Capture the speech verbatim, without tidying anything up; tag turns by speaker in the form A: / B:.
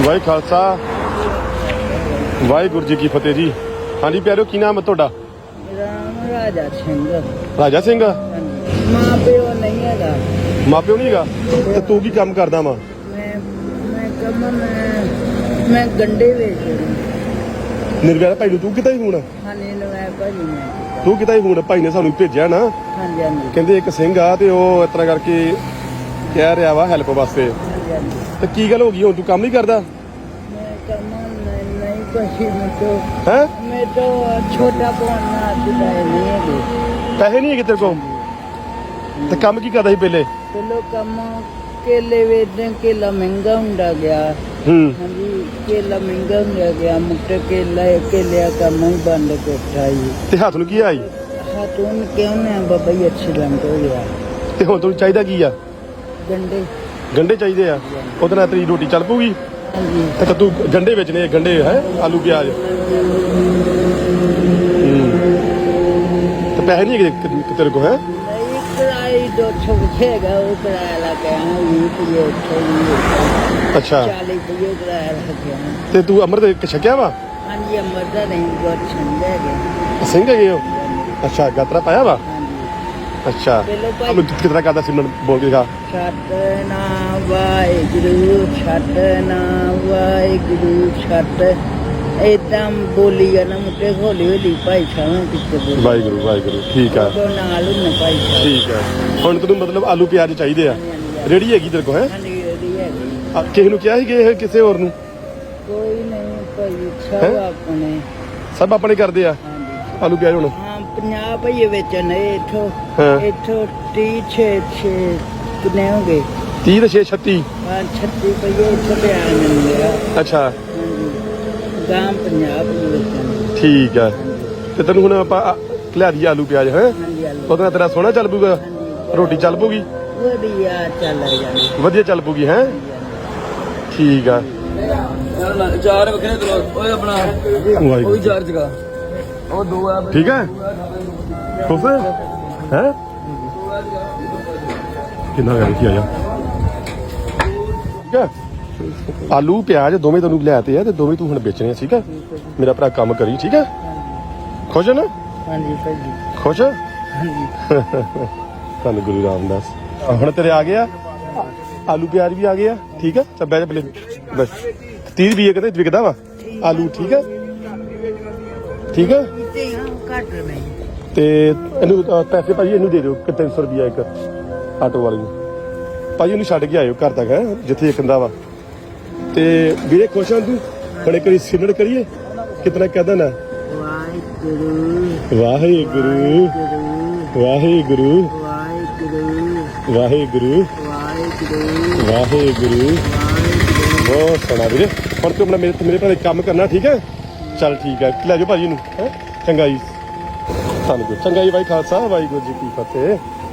A: ਵਾਹਿ ਖਾਲਸਾ ਵਾਹਿਗੁਰੂ ਜੀ ਕੀ ਫਤਿਹ ਜੀ। ਹਾਂਜੀ ਪਿਆਰਿਓ, ਕੀ ਨਾਮ ਹੈ ਤੁਹਾਡਾ?
B: ਰਾਮ ਰਾਜਾ ਸਿੰਘ।
A: ਰਾਜਾ ਸਿੰਘ।
B: ਮਾਂ ਪਿਓ ਨਹੀਂ ਹੈਗਾ।
A: ਮਾਂ ਪਿਓ ਨਹੀਂ ਹੈਗਾ ਤੇ ਤੂੰ ਕੀ ਕੰਮ ਕਰਦਾ ਵਾ?
B: ਮੈਂ ਮੈਂ ਕੰਮ ਮੈਂ ਮੈਂ ਗੰਡੇ ਵੇਚਦੀ।
A: ਨਿਰਵੈਰ ਭਾਈ ਨੂੰ ਤੂੰ ਕਿਤਾ ਹੀ ਹੁਣ?
B: ਹਾਂਜੀ ਨਵੇਂ ਭਾਜੀ ਮੈਂ।
A: ਤੂੰ ਕਿਤਾ ਹੀ ਹੁਣ? ਭਾਈ ਨੇ ਸਾਨੂੰ ਭੇਜਿਆ ਨਾ,
B: ਹਾਂਜੀ ਹਾਂਜੀ
A: ਕਹਿੰਦੇ ਇੱਕ ਸਿੰਘ ਆ ਤੇ ਉਹ ਇਸ ਤਰ੍ਹਾਂ ਕਰਕੇ ਕਹਿ ਰਿਹਾ ਵਾ ਹੈਲਪ ਵਾਸਤੇ।
B: ਹਾਂਜੀ ਹਾਂਜੀ।
A: ਤੇ ਕੀ ਗੱਲ ਹੋ ਗਈ? ਹੁਣ ਤੂੰ ਕੰਮ ਨਹੀਂ ਕਰਦਾ
B: ਮੈਂ ਕੰਮ ਨਹੀਂ ਨਹੀਂ ਕੁਛ ਮੈਂ ਤੋਂ
A: ਹੈ?
B: ਮੈਂ ਤੋਂ ਛੋਟਾ ਪਵਾਨਾ ਦਿੱਤਾ ਨਹੀਂ ਹੈਗੇ।
A: ਪੈਸੇ ਨਹੀਂ ਹੈਗੇ ਤੇਰੇ ਕੋਲ? ਤੇ ਕੰਮ ਕੀ ਕਰਦਾ ਸੀ ਪਹਿਲੇ?
B: ਚਲੋ ਕੰਮ ਕੇਲੇ ਵੇਚਦੇ। ਕੇਲਾ ਮਹਿੰਗਾ ਹੁੰਦਾ ਗਿਆ।
A: ਹੂੰ।
B: ਹਾਂਜੀ ਕੇਲਾ ਮਹਿੰਗਾ ਹੁੰਦਾ ਗਿਆ। ਮੁੱਟੇ ਕੇਲਾ ਕੇਲਿਆ ਕੰਮ ਹੀ ਬੰਦ ਕੋਠਾ ਜੀ।
A: ਤੇ ਹੱਥ ਨੂੰ ਕੀ ਆਈ?
B: ਹਾਂ ਤੂੰ ਕਿਉਂ ਨਾ ਬਾਬਾ ਜੀ ਐਕਸੀਡੈਂਟ ਹੋ ਗਿਆ।
A: ਤੇ ਹੁਣ ਤੈਨੂੰ ਚਾਹੀਦਾ ਕੀ ਆ?
B: ਗੰਡੇ।
A: ਗੰਡੇ ਚਾਹੀਦੇ ਆ। ਉਹਦੇ ਨਾਲ ਤੇਰੀ ਰੋਟੀ ਚੱਲ ਪੂਗੀ?
B: ਹਾਂਜੀ
A: ਤੇ ਤੂੰ ਗੰਡੇ ਵੇਚਣੇ? ਗੰਡੇ ਹੈ ਆਲੂ ਪਿਆਜ਼। ਤੇ ਪੈਸੇ ਨਹੀਂ ਹੈਗੇ ਤੇਰੇ ਕੋਲ? ਹੈ
B: ਨਹੀਂ ਕਿਰਾਏ ਦੋ ਸੌ ਹੈਗਾ। ਉਹ ਕਿਰਾਇਆ ਲਾ ਕੇ ਆਇਆ ਵੀਹ ਰੁਪਏ ਉੱਥੇ ਵੀ।
A: ਅੱਛਾ।
B: ਚਾਲੀ ਰੁਪਏ ਕਿਰਾਇਆ ਲਾ ਕੇ ਆਇਆ।
A: ਤੇ ਤੂੰ ਅੰਮ੍ਰਿਤ ਛਕਿਆ ਵਾ?
B: ਹਾਂਜੀ ਅੰਮ੍ਰਿਤ ਨਹੀਂ ਬਹੁਤ ਛੰਦੇ ਹੈਗੇ।
A: ਸਿੰਘ ਹੈਗੇ ਹੋ? ਅੱਛਾ ਗਾਤਰਾ ਪਾਇਆ ਵਾ?
B: ਹਾਂਜੀ
A: ਅੱਛਾ।
B: ਪਹਿਲੋਂ ਭਾਈ
A: ਅਬ ਕਿਤਨਾ ਕਰਦਾ ਸਿਮਰਨ ਬੋਲ ਕੇ ਦਿਖਾ।
B: ਸਤਿਨਾਮ ਵਾਹਿਗੁਰੂ ਸਤਿਨਾਮ ਵਾਹਿਗੁਰੂ ਸਤ ਏਦਾਂ ਬੋਲੀ ਜਾਣਾ। ਮੁੱਟੇ ਹੌਲੀ ਹੌਲੀ ਭਾਈ ਸਾਹਿਬ ਪਿੱਛੇ ਬੋਲੀ।
A: ਵਾਹਿਗੁਰੂ ਵਾਹਿਗੁਰੂ। ਠੀਕ ਆ
B: ਉਹ ਨਾਲ ਹੁੰਨੇ ਭਾਈ ਸਾਹਿਬ।
A: ਠੀਕ ਆ। ਹੁਣ ਤੈਨੂੰ ਮਤਲਬ ਆਲੂ ਪਿਆਜ਼ ਚਾਹੀਦੇ ਆ? ਰੇੜੀ ਹੈਗੀ ਤੇਰੇ ਕੋਲ? ਹੈ
B: ਹਾਂਜੀ ਇਹਦੀ ਹੈਗੀ।
A: ਕਿਸੇ ਨੂੰ ਕਿਹਾ ਸੀ ਕਿ ਇਹ ਕਿਸੇ ਹੋਰ ਨੂੰ?
B: ਕੋਈ ਨਹੀਂ ਭਾਈ ਸਭ ਆਪਣੇ।
A: ਸਭ ਆਪਣੇ ਕਰਦੇ ਆ
B: ਹਾਂਜੀ
A: ਆਲੂ ਪਿਆਜ਼ ਹੁਣ?
B: ਹਾਂ ਪੰਜਾਹ ਭਈਏ ਵੇਚਣ ਨੇ ਇੱਥੋਂ।
A: ਹਾਂ।
B: ਇੱਥੋਂ ਤੀਹ ਛੇ ਛੇ ਕਿੰਨੇ ਹੋ ਗਏ?
A: ਤੀਹ ਤੇ ਛੇ ਛੱਤੀ।
B: ਹਾਂ ਛੱਤੀ ਭਈਏ ਇੱਥੇ ਪਿਆ ਮਿਲੇਗਾ।
A: ਅੱਛਾ
B: ਹਾਂਜੀ ਗਾਂ ਪੰਜਾਹ ਭਈਏ ਵੇਚਣ।
A: ਠੀਕ ਆ। ਤੇ ਤੈਨੂੰ ਹੁਣ ਆਪਾਂ ਲਿਆ ਦਈਏ ਆਲੂ ਪਿਆਜ਼? ਹੈ
B: ਹਾਂਜੀ ਆਲੂ
A: ਉਹਦੇ ਨਾਲ ਤੇਰਾ ਸੋਹਣਾ ਚੱਲ ਪੂਗਾ? ਰੋਟੀ ਚੱਲ ਪੂਗੀ?
B: ਵਧੀਆ ਚੱਲ ਜਾਣੀ।
A: ਵਧੀਆ ਚੱਲ ਪੂਗੀ? ਹੈ ਠੀਕ ਆ।
C: ਚਾਰ ਵੱਖਰੇ ਤਰ੍ਹਾਂ ਓਏ ਆਪਣਾ
A: ਵਾਹਿਗੁਰੂ।
C: ਉਹ ਚਾਰ ਜਗਾ ਉਹ ਦੋ ਆ
A: ਠੀਕ ਹੈ ਖੁਸ਼ ਹੈ? ਹੈ ਕਿੰਨਾ ਗੱਲ ਕੀ ਆਇਆ? ਠੀਕ ਹੈ। ਆਲੂ ਪਿਆਜ਼ ਦੋਵੇਂ ਤੈਨੂੰ ਲਿਆਤੇ ਆ ਤੇ ਦੋਵੇਂ ਤੂੰ ਹੁਣ ਵੇਚਣੇ ਆ। ਠੀਕ ਹੈ ਮੇਰਾ ਭਰਾ ਕੰਮ ਕਰੀ। ਠੀਕ ਹੈ ਖੁਸ਼ ਹੈ ਨਾ?
B: ਹਾਂਜੀ ਭਾਈ
A: ਖੁਸ਼ ਹੈ?
B: ਹਾਂਜੀ
A: ਧੰਨ ਗੁਰੂ ਰਾਮਦਾਸ। ਹੁਣ ਤੇਰੇ ਆ ਗਏ ਆ ਆਲੂ ਪਿਆਜ਼ ਵੀ ਆ ਗਏ ਆ। ਠੀਕ ਹੈ ਚੱਲ ਬਹਿ ਜਾ ਪਹਿਲੇ ਬਸ। ਤੀਹ ਰੁਪਏ ਕਹਿੰਦੇ ਵਿਕਦਾ ਵਾ ਆਲੂ? ਠੀਕ ਹੈ ਠੀਕ ਹੈ।
B: ਤੇ ਘੱਟ ਨਹੀਂ।
A: ਤੇ ਇਹਨੂੰ ਅਹ, ਪੈਸੇ ਭਾਜੀ ਇਹਨੂੰ ਦੇ ਦਿਓ ਕਿ ਤਿੰਨ ਸੌ ਰੁਪਇਆ ਇੱਕ ਆਟੋ ਵਾਲੇ ਨੂੰ। ਭਾਜੀ ਇਹਨੂੰ ਛੱਡ ਕੇ ਆਇਓ ਘਰ ਤੱਕ ਹੈ ਜਿੱਥੇ ਇੱਕ ਹੁੰਦਾ ਵਾ। ਤੇ ਵੀਰੇ ਖੁਸ਼ ਹਾਂ ਤੂੰ? ਬੜੇ ਕਰੀ ਸਿਮਰਨ ਕਰੀਏ ਕਿਤਨਾ ਕਹਦਾ ਨਾ
B: ਵਾਹਿਗੁਰੂ
A: ਵਾਹਿਗੁਰੂ ਵਾਹਿਗੁਰੂ
B: ਵਾਹਿਗੁਰੂ
A: ਵਾਹਿਗੁਰੂ
B: ਵਾਹਿਗੁਰੂ
A: ਵਾਹਿਗੁਰੂ। ਬਹੁਤ ਸੋਹਣਾ ਵੀਰੇ। ਹੁਣ ਤੂੰ ਆਪਣਾ ਮੇਰੇ ਮੇਰੇ ਭਰਾ ਕੰਮ ਕਰਨਾ। ਠੀਕ ਹੈ ਚੱਲ ਠੀਕ ਹੈ ਲੈ ਜਾਓ ਭਾਜੀ ਨੂੰ। ਹੈ ਚੰਗਾ ਜੀ। ਧੰਨਵਾਦ। ਚੰਗਾ ਜੀ। ਵਾਹਿ ਖਾਲਸਾ ਵਾਹਿਗੁਰੂ ਜੀ ਕੀ ਫਤਿਹ।